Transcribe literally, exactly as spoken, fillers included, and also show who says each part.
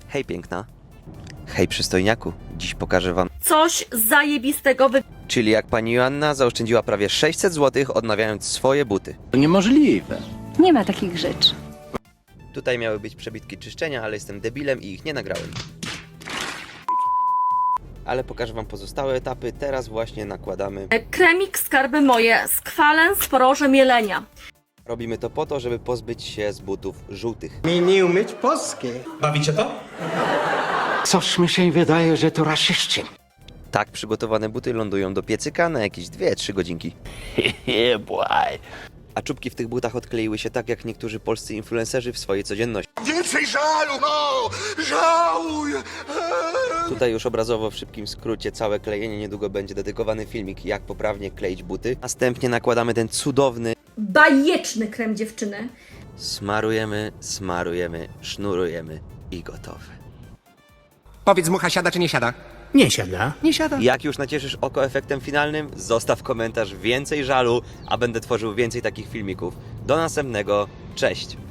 Speaker 1: Hej piękna. Hej przystojniaku. Dziś pokażę wam,
Speaker 2: Coś zajebistego wy...
Speaker 1: czyli jak pani Joanna zaoszczędziła prawie sześćset złotych odnawiając swoje buty.
Speaker 3: To niemożliwe.
Speaker 4: Nie ma takich rzeczy.
Speaker 1: Tutaj miały być przebitki czyszczenia, ale jestem debilem i ich nie nagrałem. Ale pokażę wam pozostałe etapy. Teraz właśnie nakładamy.
Speaker 2: Kremik skarby moje, skwalen z poroże mielenia.
Speaker 1: Robimy to po to, żeby pozbyć się z butów żółtych.
Speaker 5: Mi nie umieć polskiej.
Speaker 6: Bawicie to?
Speaker 5: Coś mi się wydaje, że to raszyści.
Speaker 1: Tak przygotowane buty lądują do piecyka na jakieś dwie trzy godzinki.
Speaker 3: Yeah, boy.
Speaker 1: A czubki w tych butach odkleiły się tak jak niektórzy polscy influencerzy w swojej codzienności.
Speaker 7: Więcej żalu, no! Żałuj!
Speaker 1: Tutaj już obrazowo w szybkim skrócie całe klejenie, niedługo będzie dedykowany filmik, jak poprawnie kleić buty. Następnie nakładamy ten cudowny,
Speaker 2: Bajeczny krem dziewczyny.
Speaker 1: smarujemy, smarujemy, sznurujemy i gotowe.
Speaker 7: Powiedz mucha, siada czy nie siada?
Speaker 6: Nie siada.
Speaker 7: Nie siada.
Speaker 1: Jak już nacieszysz oko efektem finalnym, zostaw komentarz więcej żalu, a będę tworzył więcej takich filmików. Do następnego, cześć!